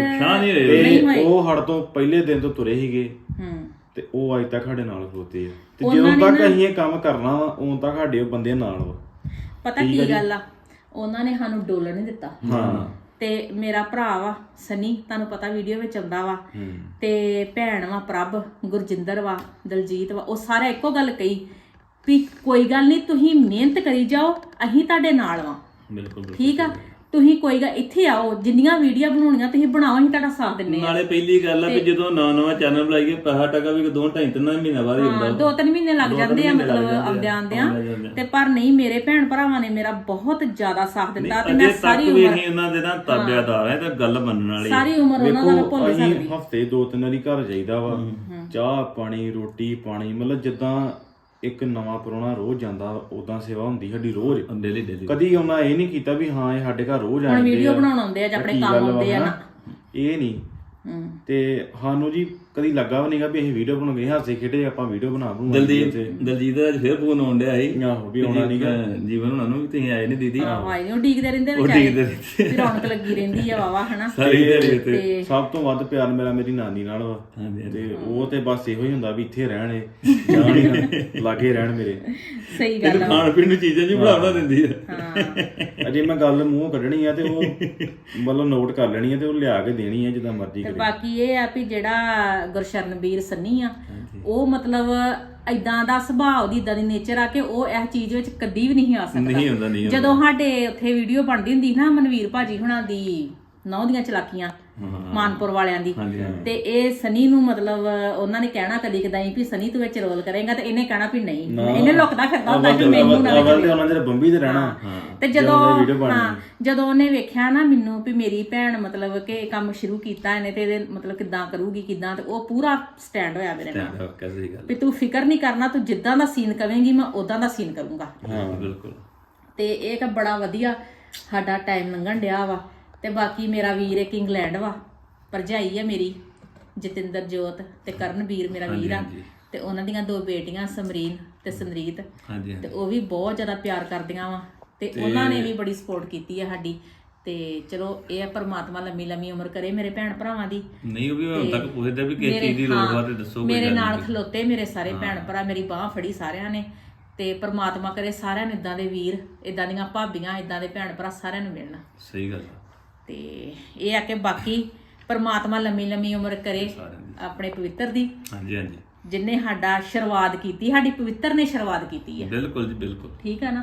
ਤੇ ਉਹ ਹੜ ਤੋਂ ਪਹਿਲੇ ਦਿਨ ਤੋਂ ਤੁਰੇ ਸੀਗੇ ਤੇ ਉਹ ਅੱਜ ਤੱਕ ਸਾਡੇ ਨਾਲ ਖਲੋਤੇ ਆ। ਤੇ ਜਦੋਂ ਤੱਕ ਅਸੀਂ ਇਹ ਕੰਮ ਕਰਨਾ ਵਾ ਉਦੋਂ ਤੱਕ ਸਾਡੇ ਉਹ ਬੰਦੇ ਨਾਲ ਵਾ।
ਪਤਾ ਕੀ ਗੱਲ ਆ, ਉਹਨਾਂ ਨੇ ਸਾਨੂੰ ਡੋਲਣ ਨਹੀਂ ਦਿੱਤਾ। ਹਾਂ, ਤੇ ਮੇਰਾ ਭਰਾ ਵਾ ਸਨੀ, ਤੁਹਾਨੂੰ ਪਤਾ ਵੀਡੀਓ ਵਿੱਚ ਆਉਂਦਾ ਵਾ, ਤੇ ਭੈਣ ਵਾ ਪ੍ਰਭ, ਗੁਰਜਿੰਦਰ ਵਾ, ਦਲਜੀਤ ਵਾ, ਉਹ ਸਾਰੇ ਇੱਕੋ ਗੱਲ ਕਹੀ ਵੀ ਕੋਈ ਗੱਲ ਨਹੀਂ, ਤੁਸੀਂ ਮਿਹਨਤ ਕਰੀ ਜਾਓ, ਅਸੀਂ ਤੁਹਾਡੇ ਨਾਲ ਵਾ। ਬਿਲਕੁਲ, ਠੀਕ ਆ। ਤੁਸੀਂ ਕੋਈ ਗੱਲ ਇੱਥੇ ਆਓ, ਜਿੰਨੀਆਂ ਵੀਡੀਓ ਬਣਾਉਣੀਆਂ ਤੁਸੀਂ ਬਣਾਓ, ਅਸੀਂ ਤੁਹਾਡਾ ਸਾਥ ਦਿੰਨੇ ਆ।
ਨਾਲੇ ਪਹਿਲੀ ਗੱਲ ਆ ਵੀ ਜਦੋਂ ਨਵਾਂ ਨਵਾਂ ਚੈਨਲ ਬਣਾਈਏ, ਪੈਸਾ ਟਕਾ ਵੀ ਦੋ ਢਾਈ ਤਿੰਨ ਮਹੀਨੇ ਬਾਅਦ ਹੀ ਹੁੰਦਾ,
ਦੋ ਤਿੰਨ ਮਹੀਨੇ ਲੱਗ ਜਾਂਦੇ ਆ ਮਤਲਬ ਆਉਂਦਿਆਂ ਆਉਂਦਿਆਂ। ਤੇ ਪਰ ਨਹੀਂ, ਮੇਰੇ ਭੈਣ ਭਰਾਵਾਂ ਨੇ ਮੇਰਾ ਬਹੁਤ ਜ਼ਿਆਦਾ ਸਾਥ ਦਿੱਤਾ ਤੇ ਮੈਂ ਸਾਰੀ ਉਮਰ
ਇਹਨਾਂ ਦੇ ਨਾਲ ਤਾਬਿਆਦਾਰ ਆ। ਤੇ ਗੱਲ ਮੰਨਣ ਵਾਲੀ,
ਸਾਰੀ ਉਮਰ ਉਹਨਾਂ ਦਾ ਮੈਂ ਭੁੱਲ ਨਹੀਂ ਸਕਦੀ।
ਹਫਤੇ ਦੋ ਤਿੰਨ ਵਾਰੀ ਘਰ ਜਾਈਦਾ ਵਾ, ਚਾਹ ਪਾਣੀ ਰੋਟੀ ਪਾਣੀ, ਮਤਲਬ ਜਿੱਦਾਂ ਇੱਕ ਨਵਾਂ ਪ੍ਰਾਹੁਣਾ ਰੋਜ਼ ਜਾਂਦਾ ਉਦਾਂ ਸੇਵਾ ਹੁੰਦੀ ਸਾਡੀ ਰੋਜ਼, ਡੇਲੀ ਡੇਲੀ। ਕਦੀ ਉਹਨਾਂ ਇਹ ਨਹੀਂ ਕੀਤਾ ਵੀ ਹਾਂ ਇਹ ਸਾਡੇ ਘਰ ਰੋਜ਼ ਆਉਂਦੇ ਆ,
ਵੀਡੀਓ ਬਣਾਉਣ ਆਉਂਦੇ ਆ ਜਾਂ ਆਪਣੇ ਕੰਮ ਆਉਂਦੇ ਆ ਨਾ,
ਇਹ ਨਹੀਂ। ਤੇ ਸਾਨੂੰ ਜੀ ਕਦੀ ਲੱਗਾ ਵੀ ਨਹੀਂਗਾ ਵੀ ਅਸੀਂ ਵੀਡੀਓ ਬਣਾਉਂਗੇ, ਹਾਸੇ ਖੇਡੇ ਆਪਾਂ ਵੀਡੀਓ ਬਣਾ ਬਣਾਉਂਗੇ।
ਦਲਜੀਤ ਦਲਜੀਤ ਦਾ ਅੱਜ ਫੇਰ ਫੋਨ ਆਉਣ ਡਿਆ ਸੀ
ਆਹੋ ਵੀ ਆਉਣਾ ਨਹੀਂਗਾ,
ਜੀਵਨ ਉਹਨਾਂ ਨੂੰ ਵੀ ਤੁਸੀਂ ਆਏ ਨਹੀਂ ਦੀਦੀ।
ਆਹੋ ਆਏ ਨੀ, ਉਹ ਡੀਕਦੇ ਰਹਿੰਦੇ
ਉਹ
ਵਿਚਾਰੇ,
ਡੀਕਦੇ ਰਹਿੰਦੇ।
ਵੀ ਰੌਣਕ ਲੱਗੀ ਰਹਿੰਦੀ ਆ ਵਾਵਾ ਹਨਾ।
ਸਾਰੀ ਦਿਹਾੜੀ ਤੇ
ਤੇ
ਸਭ ਤੋਂ ਵੱਧ ਪਿਆਰ ਮੇਰਾ ਮੇਰੀ ਨਾਨੀ ਨਾਲ ਵਾ,
ਹਾਂਜੀ
ਤੇ ਉਹ ਤੇ ਬਸ ਇਹੋ ਹੀ ਹੁੰਦਾ ਵੀ ਇੱਥੇ ਰਹਿਣ ਇਹ ਜਾਣ ਹੀ ਨਾ, ਲਾਗੇ ਰਹਿਣ ਮੇਰੇ।
ਸਹੀ ਗੱਲ ਆ।
ਖਾਣ ਪੀਣ ਨੂੰ ਚੀਜ਼ਾਂ ਜੀ ਬਣਾਉਣਾ ਦਿੰਦੀ ਆ।
ਹਾਂ
ਅਜੇ ਮੈਂ ਗੱਲ ਮੂੰਹੋਂ ਕੱਢਣੀ ਆ ਤੇ ਉਹ ਮਤਲਬ ਨੋਟ ਕਰ ਲੈਣੀ ਆ ਤੇ ਉਹ ਲਿਆ ਕੇ ਦੇਣੀ ਆ ਜਿੱਦਾਂ ਮਰਜ਼ੀ
ਤੇ
ਕਰੇ।
ਬਾਕੀ ਇਹ ਆ ਵੀ ਜਿਹੜਾ ਗੁਰਸ਼ਰਨਵੀਰ ਸੰਨੀ ਆ, ਉਹ ਮਤਲਬ ਏਦਾਂ ਦਾ ਸੁਭਾਅ ਉਹਦੀ ਇਦਾਂ ਦੀ ਨੇਚਰ ਆ ਕਿ ਉਹ ਇਸ ਚੀਜ਼ ਵਿੱਚ ਕਦੀ ਵੀ ਨਹੀਂ ਆ
ਨਹੀਂ ਹੁੰਦਾ
ਸਕਦਾ।
ਨਹੀਂ
ਜਦੋਂ ਸਾਡੇ ਉੱਥੇ ਵੀਡੀਓ ਬਣਦੀ ਹੁੰਦੀ ਨਾ ਮਨਵੀਰ ਭਾਜੀ ਹੁਣਾਂ ਦੀ ਨੌ ਦੀਆਂ ਚਲਾਕੀਆਂ ਮਾਨਪੁਰ ਵਾਲਿਆਂ ਦੀ, ਤੇ ਇਹ ਸਨੀ ਨੂੰ ਮਤਲਬ ਉਹਨਾਂ ਨੇ ਕਹਿਣਾ ਕਦੀ ਕਦਾਈ ਵੀ ਸਨੀ ਤੂੰ ਵਿੱਚ ਰੋਲ ਕਰੇਗਾ, ਤੇ ਇਹਨੇ ਕਹਿਣਾ ਵੀ ਨਹੀਂ, ਇਹਨੇ ਲੁਕਦਾ ਫਿਰਦਾ ਹੁੰਦਾ ਕਿ ਮੈਨੂੰ ਨਾ
ਅਵਲ ਤੇ ਉਹਨਾਂ ਦੇ ਬੰਬੀ ਤੇ ਰਹਿਣਾ।
ਤੇ ਜਦੋਂ ਹਾਂ ਜਦੋਂ ਉਹਨੇ ਵੇਖਿਆ ਨਾ ਮੈਨੂੰ ਵੀ ਮੇਰੀ ਭੈਣ ਮਤਲਬ ਕਿ ਇਹ ਕੰਮ ਸ਼ੁਰੂ ਕੀਤਾ ਇਹਨੇ ਤੇ ਇਹਦੇ ਮਤਲਬ ਕਿੱਦਾਂ ਕਰੂਗੀ ਕਿੱਦਾਂ, ਤੇ ਉਹ ਪੂਰਾ ਸਟੈਂਡ ਹੋਇਆ ਮੇਰੇ ਨਾਲ
ਸਹੀ ਗੱਲ
ਵੀ ਤੂੰ ਫਿਕਰ ਨਹੀਂ ਕਰਨਾ, ਤੂੰ ਜਿੱਦਾਂ ਦਾ ਸੀਨ ਕਵੇਂਗੀ ਮੈਂ ਉਦਾਂ ਦਾ ਸੀਨ ਕਰੂੰਗਾ।
ਹਾਂ ਬਿਲਕੁਲ।
ਤੇ ਇਹ ਤਾਂ ਬੜਾ ਵਧੀਆ ਸਾਡਾ ਟਾਈਮ ਲੰਘਣ ਡਿਆ ਵਾ। ਤੇ ਬਾਕੀ ਮੇਰਾ ਵੀਰ ਇੱਕ ਇੰਗਲੈਂਡ ਵਾ, ਭਰਜਾਈ ਆ ਮੇਰੀ ਜਤਿੰਦਰ ਜੋਤ ਤੇ ਕਰਨਵੀਰ ਮੇਰਾ ਵੀਰ ਆ, ਤੇ ਉਹਨਾਂ ਦੀਆਂ ਦੋ ਬੇਟੀਆਂ ਸਮਰੀਨ ਤੇ ਸਮਰੀਤ,
ਹਾਂਜੀ
ਤੇ ਉਹ ਵੀ ਬਹੁਤ ਜ਼ਿਆਦਾ ਪਿਆਰ ਕਰਦੀਆਂ ਵਾ, ਤੇ ਉਹਨਾਂ ਨੇ ਵੀ ਬੜੀ ਸਪੋਰਟ ਕੀਤੀ ਆ ਸਾਡੀ। ਤੇ ਚਲੋ ਇਹ ਆ ਪਰਮਾਤਮਾ ਲੰਮੀ ਲੰਮੀ ਉਮਰ ਕਰੇ ਮੇਰੇ ਭੈਣ ਭਰਾਵਾਂ ਦੀ।
ਨਹੀਂ ਉਹ ਵੀ ਹੁਣ ਤੱਕ ਪੁੱਛਦੇ ਵੀ ਕਿਸ ਚੀਜ਼ ਦੀ ਲੋੜ ਵਾ ਤੇ ਦੱਸੋ।
ਮੇਰੇ ਨਾਲ ਖਲੋਤੇ ਮੇਰੇ ਸਾਰੇ ਭੈਣ ਭਰਾ, ਮੇਰੀ ਬਾਹ ਫੜੀ ਸਾਰਿਆਂ ਨੇ, ਤੇ ਪਰਮਾਤਮਾ ਕਰੇ ਸਾਰਿਆਂ ਨੂੰ ਇਦਾਂ ਦੇ ਵੀਰ, ਇਦਾਂ ਦੀਆਂ ਭਾਬੀਆਂ, ਇਦਾਂ ਦੇ ਭੈਣ ਭਰਾ ਸਾਰਿਆਂ ਨੂੰ ਮਿਲਣ।
ਸਹੀ ਗੱਲ।
ਤੇ ਇਹ ਆ ਕਿ ਬਾਕੀ ਪਰਮਾਤਮਾ ਲੰਮੀ ਲੰਮੀ ਉਮਰ ਕਰੇ ਆਪਣੇ ਪਵਿੱਤਰ ਦੀ।
ਹਾਂਜੀ ਹਾਂਜੀ।
ਜਿੰਨੇ ਸਾਡਾ ਸ਼ੁਰੂਆਤ ਕੀਤੀ, ਸਾਡੀ ਪਵਿੱਤਰ ਨੇ ਸ਼ੁਰੂਆਤ ਕੀਤੀ ਹੈ।
ਬਿਲਕੁਲ ਜੀ ਬਿਲਕੁਲ।
ਠੀਕ ਆ ਨਾ।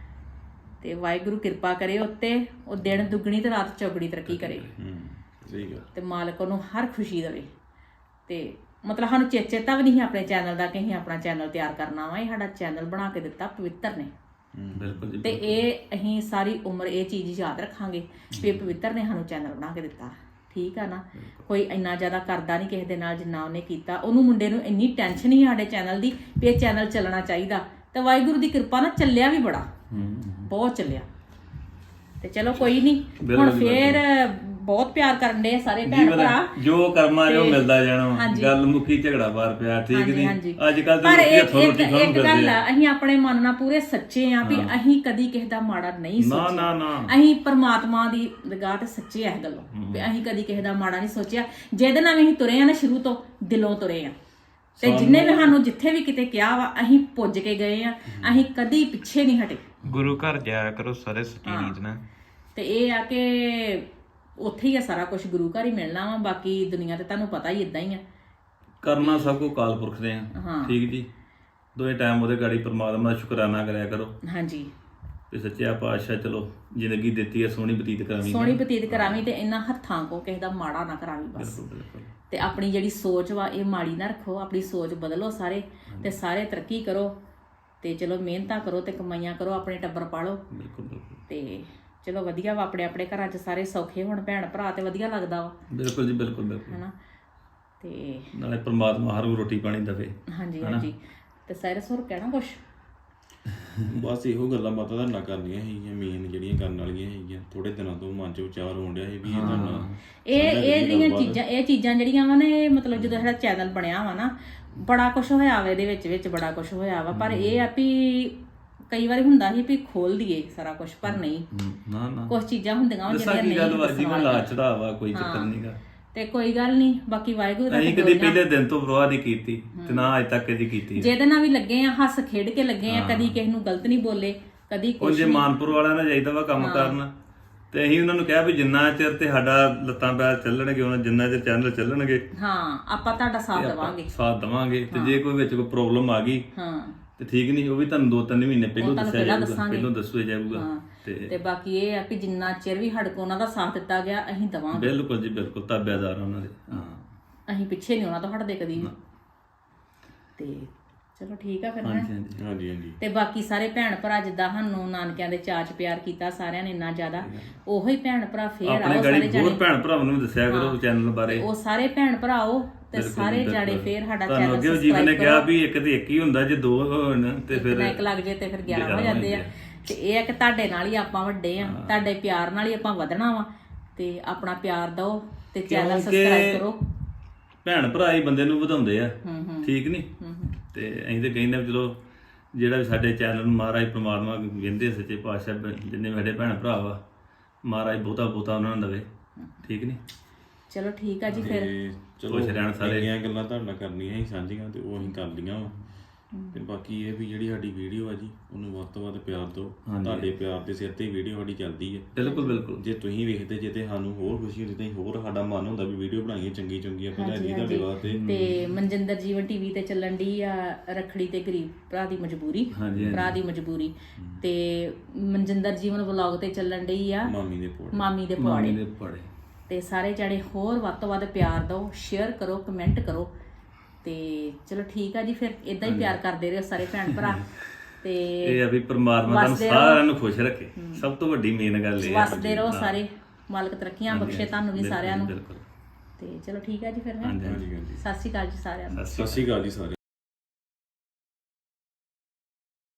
ਤੇ ਵਾਹਿਗੁਰੂ ਕਿਰਪਾ ਕਰੇ ਉੱਤੇ, ਉਹ ਦਿਨ ਦੁੱਗਣੀ ਤੇ ਰਾਤ ਚੌਗਣੀ ਤਰੱਕੀ ਕਰੇ।
ਸਹੀ ਗੱਲ।
ਤੇ ਮਾਲਕ ਉਹਨੂੰ ਹਰ ਖੁਸ਼ੀ ਦੇਵੇ। ਤੇ ਮਤਲਬ ਸਾਨੂੰ ਚੇਚੇਤਾ ਵੀ ਨਹੀਂ ਆਪਣੇ ਚੈਨਲ ਦਾ ਕਿ ਅਸੀਂ ਆਪਣਾ ਚੈਨਲ ਤਿਆਰ ਕਰਨਾ ਵਾ, ਇਹ ਸਾਡਾ ਚੈਨਲ ਬਣਾ ਕੇ ਦਿੱਤਾ ਪਵਿੱਤਰ ਨੇ।
ਬਿਲਕੁਲ ਜੀ।
ਤੇ ਇਹ ਅਸੀਂ ਸਾਰੀ ਉਮਰ ਇਹ ਚੀਜ਼ ਯਾਦ ਰੱਖਾਂਗੇ ਵੀ ਪਵਿੱਤਰ ਨੇ ਸਾਨੂੰ ਚੈਨਲ ਬਣਾ ਕੇ ਦਿੱਤਾ। ਠੀਕ ਆ ਨਾ। ਕੋਈ ਇੰਨਾ ਜ਼ਿਆਦਾ ਕਰਦਾ ਨਹੀਂ ਕਿਸੇ ਦੇ ਨਾਲ ਜਿੰਨਾ ਉਹਨੇ ਕੀਤਾ। ਉਹਨੂੰ ਮੁੰਡੇ ਨੂੰ ਇੰਨੀ ਟੈਨਸ਼ਨ ਹੀ ਸਾਡੇ ਚੈਨਲ ਦੀ ਵੀ ਇਹ ਚੈਨਲ ਚੱਲਣਾ ਚਾਹੀਦਾ, ਤੇ ਵਾਹਿਗੁਰੂ ਦੀ ਕਿਰਪਾ ਨਾਲ ਚੱਲਿਆ ਵੀ ਬੜਾ, ਬਹੁਤ ਚੱਲਿਆ। ਤੇ ਚਲੋ ਕੋਈ ਨਹੀਂ, ਹੁਣ ਫੇਰ ਬਹੁਤ ਪਿਆਰ ਕਰਨ ਦੇ ਸਾਰੇ ਭੈਣ ਭਰਾ।
ਜੋ ਕਰਮਾ ਜੋ ਮਿਲਦਾ ਜਾਣਾ, ਗੱਲ ਮੁੱਕੀ ਝਗੜਾ ਬਾਰ ਪਿਆ। ਠੀਕ ਨਹੀਂ ਅੱਜ ਕੱਲ ਤਾਂ ਲੋਕੀ ਹੱਥੋਂ ਰੋਟੀ ਖਾਣ
ਇੱਕ ਗੱਲ ਆ, ਅਸੀਂ ਆਪਣੇ ਮਨ ਨਾਲ ਪੂਰੇ ਸੱਚੇ ਆ ਵੀ ਅਸੀਂ ਕਦੀ ਕਿਸੇ ਦਾ ਮਾੜਾ ਨਹੀਂ ਸੋਚਿਆ।
ਨਾ ਨਾ
ਅਸੀਂ ਪਰਮਾਤਮਾ ਦੀ ਨਿਗਾਹ ਤੇ ਸੱਚੇ ਆ ਇਸ ਗੱਲੋਂ ਵੀ ਅਸੀਂ ਕਦੀ ਕਿਸੇ ਦਾ ਮਾੜਾ ਨਹੀਂ ਸੋਚਿਆ। ਜਿਹਦੇ ਨਾਲ ਵੀ ਅਸੀਂ ਤੁਰੇ ਆ ਨਾ ਸ਼ੁਰੂ ਤੋਂ ਦਿਲੋਂ ਤੁਰੇ ਆ, ਤੇ ਜਿੰਨੇ ਵੀ ਸਾਨੂੰ ਜਿੱਥੇ ਵੀ ਕਿਤੇ ਕਿਹਾ ਵਾ ਅਸੀਂ ਪੁੱਜ ਕੇ ਗਏ ਆ, ਅਸੀਂ ਕਦੀ ਪਿੱਛੇ ਨਹੀਂ ਹਟੇ।
ਗੁਰੂ ਘਰ ਜਾਇਆ ਕਰੋ ਸਾਰੇ ਸੱਚੀ ਨੀਤ ਨਾਲ।
ਤੇ ਇਹ ਆ ਕਿ ਉੱਥੇ ਹੀ ਆ ਸਾਰਾ ਕੁਝ, ਗੁਰੂ ਘਰ ਹੀ ਮਿਲਣਾ ਵਾ। ਬਾਕੀ ਦੁਨੀਆ ਤੇ ਤੁਹਾਨੂੰ ਪਤਾ ਹੀ ਇਦਾਂ ਹੀ ਆ,
ਕਰਨਾ ਸਭ ਕੋ ਕਾਲ ਪੁਰਖ ਦੇ ਆ। ਠੀਕ ਜੀ। ਦੋਏ ਟਾਈਮ ਉਹਦੇ ਗਾੜੀ ਪਰਮਾਤਮਾ ਦਾ ਸ਼ੁਕਰਾਨਾ ਕਰਿਆ ਕਰੋ। ਹਾਂਜੀ। ਤੇ ਸੱਚਿਆ ਪਾਤਸ਼ਾਹ ਚਲੋ ਜ਼ਿੰਦਗੀ ਦਿੱਤੀ ਹੈ, ਸੋਹਣੀ ਬਤੀਤ ਕਰਾਵੀਂ,
ਸੋਹਣੀ ਬਤੀਤ ਕਰਾਵੀਂ, ਤੇ ਇਹਨਾਂ ਹੱਥਾਂ ਕੋ ਕਿਸੇ ਦਾ ਮਾੜਾ ਨਾ ਕਰਾਵੀਂ ਬਸ। ਤੇ ਆਪਣੀ ਜਿਹੜੀ ਸੋਚ ਵਾ ਇਹ ਮਾੜੀ ਨਾ ਰੱਖੋ, ਆਪਣੀ ਸੋਚ ਬਦਲੋ ਸਾਰੇ, ਤੇ ਸਾਰੇ ਤਰੱਕੀ ਕਰੋ, ਤੇ ਚਲੋ ਮਿਹਨਤਾਂ ਕਰੋ ਤੇ ਕਮਾਈਆਂ ਕਰੋ, ਆਪਣੇ ਟੱਬਰ ਪਾਲੋ। ਬਿਲਕੁਲ ਬਿਲਕੁਲ। ਤੇ ਚਲੋ ਵਧੀਆ ਵਾ, ਆਪਣੇ ਆਪਣੇ ਘਰਾਂ 'ਚ ਸਾਰੇ ਸੌਖੇ ਹੋਣ ਭੈਣ ਭਰਾ, ਤੇ ਵਧੀਆ ਲੱਗਦਾ ਵਾ।
ਬਿਲਕੁਲ ਜੀ ਬਿਲਕੁਲ ਬਿਲਕੁਲ।
ਹਨਾ। ਤੇ
ਨਾਲੇ ਪਰਮਾਤਮਾ ਹਰ ਨੂੰ ਰੋਟੀ ਪਾਣੀ ਦੇਵੇ।
ਹਾਂਜੀ ਹਾਂਜੀ। ਤੇ ਸਾਇਰਸ ਹੋਰ ਕਹਿਣਾ ਕੁਛ?
ਬਸ ਇਹੋ ਗੱਲਾਂ ਬਾਤਾਂ ਤੁਹਾਡੇ ਨਾਲ ਕਰਨੀਆਂ ਹੈਗੀਆਂ, ਮੇਨ ਜਿਹੜੀਆਂ ਕਰਨ ਵਾਲੀਆਂ ਹੈਗੀਆਂ। ਥੋੜੇ ਦਿਨਾਂ ਤੋਂ ਮਨ 'ਚ ਵਿਚਾਰ ਹੋਣ ਡਿਆ ਸੀ ਵੀ ਇਹ ਤੁਹਾਡਾ
ਇਹ ਇਹ ਜਿਹੜੀਆਂ ਚੀਜ਼ਾਂ ਇਹ ਚੀਜ਼ਾਂ ਜਿਹੜੀਆਂ ਵਾ ਨੇ, ਮਤਲਬ ਜਦੋਂ ਸਾਡਾ ਚੈਨਲ ਬਣਿਆ ਵਾ ਨਾ, ਬੜਾ ਕੁਛ ਹੋਇਆ ਵਾ ਇਹਦੇ ਵਿੱਚ ਵਿੱਚ ਬੜਾ ਕੁਛ ਹੋਇਆ ਵਾ। ਪਰ ਇਹ ਆ ਵੀ ਕਈ ਵਾਰੀ ਹੁੰਦਾ ਸੀ ਵੀ ਖੋਲ ਦਈਏ ਸਾਰਾ ਕੁਝ, ਪਰ ਨਹੀਂ।
ਨਾ ਨਾ
ਕੁਝ ਚੀਜ਼ਾਂ ਹੁੰਦੀਆਂ ਜਿਹੜੀਆਂ ਨਹੀਂ
ਚੜਾਵਾ, ਕੋਈ ਚੱਕਰ ਨਹੀਂਗਾ।
ਤੇ ਕੋਈ ਗੱਲ ਨਹੀਂ, ਬਾਕੀ ਵਾਹਿਗੁਰੂ ਦਾ
ਅਸੀਂ ਕਦੀ ਪਹਿਲੇ ਦਿਨ ਤੋਂ ਪਰਵਾਹ ਨਹੀਂ ਕੀਤੀ, ਤੇ ਨਾ ਅੱਜ ਤੱਕ ਕਦੀ ਕੀਤੀ।
ਜਿਹਦੇ ਨਾਲ ਵੀ ਲੱਗੇ ਆ, ਹੱਸ ਖੇਡ ਕੇ ਲੱਗੇ ਆ, ਕਦੀ ਕਿਸੇ ਨੂੰ ਗਲਤ ਨਹੀਂ ਬੋਲੇ, ਕਦੀ ਕੁਝ।
ਜੇ ਮਾਨਪੁਰ ਵਾਲਿਆਂ ਨਾਲ ਜਾਈਦਾ ਵਾ ਕੰਮ ਕਰਨ, ਤੇ ਅਸੀਂ ਉਹਨਾਂ ਨੂੰ ਕਿਹਾ ਵੀ ਜਿੰਨਾ ਚਿਰ ਤੇ ਸਾਡਾ ਲੱਤਾਂ ਪੈਰ ਚੱਲਣਗੇ, ਉਹਨਾਂ ਜਿੰਨਾ ਚਿਰ ਚੈਨਲ ਚੱਲਣਗੇ,
ਹਾਂ ਆਪਾਂ ਤੁਹਾਡਾ ਸਾਥ ਦੇਵਾਂਗੇ
ਸਾਥ ਦੇਵਾਂਗੇ। ਤੇ ਜੇ ਕੋਈ ਵਿੱਚ ਕੋਈ ਪ੍ਰੋਬਲਮ ਆ ਗਈ
ਹਾਂ
ਤੇ ਠੀਕ ਨਹੀਂ, ਉਹ ਵੀ ਤੁਹਾਨੂੰ ਦੋ ਤਿੰਨ ਮਹੀਨੇ ਪਹਿਲਾਂ ਦੱਸਿਆ ਜਾਊਗਾ, ਪਹਿਲਾਂ ਦੱਸਿਆ ਜਾਊਗਾ।
ਤੇ ਬਾਕੀ ਇਹ ਆ ਕਿ ਜਿੰਨਾ ਚਿਰ ਵੀ ਸਾਡੇ ਕੋਲ ਉਹਨਾਂ ਦਾ ਸਾਥ ਦਿੱਤਾ ਗਿਆ, ਅਸੀਂ ਦੇਵਾਂਗੇ।
ਬਿਲਕੁਲ ਜੀ ਬਿਲਕੁਲ, ਤਾਬਿਆਦਾਰ ਉਹਨਾਂ ਦੇ। ਹਾਂ
ਅਸੀਂ ਪਿੱਛੇ ਨਹੀਂ ਉਹਨਾਂ ਤੋਂ ਹਟਦੇ ਕਦੀ ਵੀ। ਤੇ ਚਲੋ ਠੀਕ ਆ ਫਿਰ।
ਹਾਂਜੀ ਹਾਂਜੀ।
ਤੇ ਬਾਕੀ ਸਾਰੇ ਭੈਣ ਭਰਾ ਜਿੱਦਾਂ ਸਾਨੂੰ ਨਾਨਕਿਆਂ ਦੇ ਚਾਚ ਪਿਆਰ ਕੀਤਾ ਸਾਰਿਆਂ ਨੇ ਇੰਨਾ ਜ਼ਿਆਦਾ, ਉਹੋ ਹੀ ਭੈਣ ਭਰਾ ਫੇਰ ਆਓ ਸਾਰੇ ਜਾਣੇ।
ਹੋਰ ਭੈਣ ਭਰਾਵਾਂ ਨੂੰ ਦੱਸਿਆ ਕਰੋ ਚੈਨਲ ਬਾਰੇ,
ਉਹ ਸਾਰੇ ਭੈਣ ਭਰਾ ਆਓ ਤੇ ਸਾਰੇ ਜਾਣੇ ਫੇਰ ਸਾਡਾ ਚੈਨਲ
ਸਬਸਕ੍ਰਾਈਬ ਕਰੋ। ਜੀਵਨ ਨੇ ਕਿਹਾ ਵੀ ਇੱਕ ਤੇ ਇੱਕ ਹੀ ਹੁੰਦਾ, ਜੇ ਦੋ ਹੋਣ ਤੇ ਫਿਰ
ਇੱਕ ਲੱਗ ਜੇ ਤੇ ਫਿਰ ਗਿਆਰਾਂ ਹੋ ਜਾਂਦੇ ਆ। ਤੇ ਇਹ ਆ ਕਿ ਤੁਹਾਡੇ ਨਾਲ ਹੀ ਆਪਾਂ ਵੱਡੇ ਆ, ਤੁਹਾਡੇ ਪਿਆਰ ਨਾਲ ਹੀ ਆਪਾਂ ਵਧਣਾ ਵਾ। ਤੇ ਆਪਣਾ ਪਿਆਰ ਦਿਓ ਤੇ ਚੈਨਲ ਸਬਸਕ੍ਰਾਈਬ ਕਰੋ।
ਭੈਣ ਭਰਾ ਹੀ ਬੰਦੇ ਨੂੰ ਵਧਾਉਂਦੇ ਆ,
ਹੂੰ ਹੂੰ
ਠੀਕ ਨਹੀਂ?
ਹੂੰ ਹੂੰ
ਤੇ ਅਸੀਂ ਤੇ ਕਹਿੰਦੇ ਵੀ ਚਲੋ ਜਿਹੜਾ ਵੀ ਸਾਡੇ ਚੈਨਲ ਨੂੰ ਮਹਾਰਾਜ ਪ੍ਰਮਾਤਮਾ ਕਹਿੰਦੇ ਸੱਚੇ ਪਾਤਸ਼ਾਹ ਜਿੰਨੇ ਵੀ ਸਾਡੇ ਭੈਣ ਭਰਾ ਵਾ ਮਹਾਰਾਜ ਬਹੁਤਾ ਬਹੁਤਾ ਉਹਨਾਂ ਨੂੰ ਦੇਵੇ, ਠੀਕ ਨਹੀਂ?
ਚਲੋ ਠੀਕ ਆ ਜੀ ਫਿਰ
ਤੇ ਚਲੋ
ਖੁਸ਼ ਰਹਿਣ ਸਾਰੇ।
ਇੰਨੀਆਂ ਗੱਲਾਂ ਤੁਹਾਡੇ ਨਾਲ ਕਰਨੀਆਂ ਸੀ ਸਾਂਝੀਆਂ ਤੇ ਉਹ ਅਸੀਂ ਕਰ ਲਈਆਂ ਵਾ। ਤੇ ਬਾਕੀ ਇਹ ਵੀ ਜਿਹੜੀ ਸਾਡੀ ਵੀਡੀਓ ਆ ਜੀ ਉਹਨੂੰ ਵੱਧ ਤੋਂ ਵੱਧ ਪਿਆਰ ਦਿਓ। ਤੁਹਾਡੇ ਪਿਆਰ ਦੇ ਸਿਰ ਤੇ ਵੀਡੀਓ ਸਾਡੀ ਚੱਲਦੀ ਹੈ।
ਬਿਲਕੁਲ ਬਿਲਕੁਲ।
ਜੇ ਤੁਸੀਂ ਵੇਖਦੇ ਜੇ ਤੇ ਸਾਨੂੰ ਹੋਰ ਖੁਸ਼ੀ ਹੁੰਦੀ ਤੇ ਹੋਰ ਸਾਡਾ ਮਨ ਹੁੰਦਾ ਵੀ ਵੀਡੀਓ ਬਣਾਈਏ ਚੰਗੀ ਚੰਗੀ ਆਪਾਂ ਲੈ ਜਾਈਏ ਤੁਹਾਡੇ ਵਾਸਤੇ।
ਤੇ ਮਨਜਿੰਦਰ ਜੀਵਨ ਟੀਵੀ ਤੇ ਚੱਲਣ ਦੀ ਆ ਰੱਖੜੀ ਤੇ ਗਰੀਬ ਭਰਾ ਦੀ ਮਜਬੂਰੀ, ਭਰਾ ਦੀ ਮਜਬੂਰੀ। ਤੇ ਮਨਜਿੰਦਰ ਜੀਵਨ ਵਲੌਗ ਤੇ ਚੱਲਣ ਦੀ ਆ
ਮਾਮੀ ਦੇ ਪੋੜੇ
ਮਾਮੀ ਦੇ ਪਵਾੜੇ। ਤੇ ਸਾਰੇ ਜਣੇ ਹੋਰ ਵੱਧ ਤੋਂ ਵੱਧ ਪਿਆਰ ਦਿਓ, ਸ਼ੇਅਰ ਕਰੋ, ਕਮੈਂਟ ਕਰੋ। ਤੇ ਚਲੋ ਠੀਕ ਆ ਜੀ ਫਿਰ ਇਦਾਂ ਹੀ ਪਿਆਰ ਕਰਦੇ ਰਹੋ ਸਾਰੇ ਭੈਣ ਭਰਾ। ਤੇ
ਇਹ ਆ ਵੀ ਪਰਮਾਤਮਾ ਤੁਹਾਨੂੰ ਸਾਰਿਆਂ ਨੂੰ ਖੁਸ਼ ਰੱਖੇ, ਸਭ ਤੋਂ ਵੱਡੀ ਮੇਨ ਗੱਲ ਇਹ ਹੈ।
ਵਸਦੇ ਰਹੋ ਸਾਰੇ, ਮਾਲਕ ਤਰੱਕੀਆਂ ਬਖਸ਼ੇ ਤੁਹਾਨੂੰ ਵੀ ਸਾਰਿਆਂ ਨੂੰ।
ਬਿਲਕੁਲ।
ਤੇ ਚਲੋ ਠੀਕ ਆ ਜੀ ਫਿਰ।
ਹਾਂਜੀ ਹਾਂਜੀ।
ਸਤਿ ਸ਼੍ਰੀ ਅਕਾਲ ਜੀ ਸਾਰਿਆਂ ਨੂੰ।
ਸਤਿ ਸ਼੍ਰੀ ਅਕਾਲ ਜੀ ਸਾਰਿਆਂ ਨੂੰ।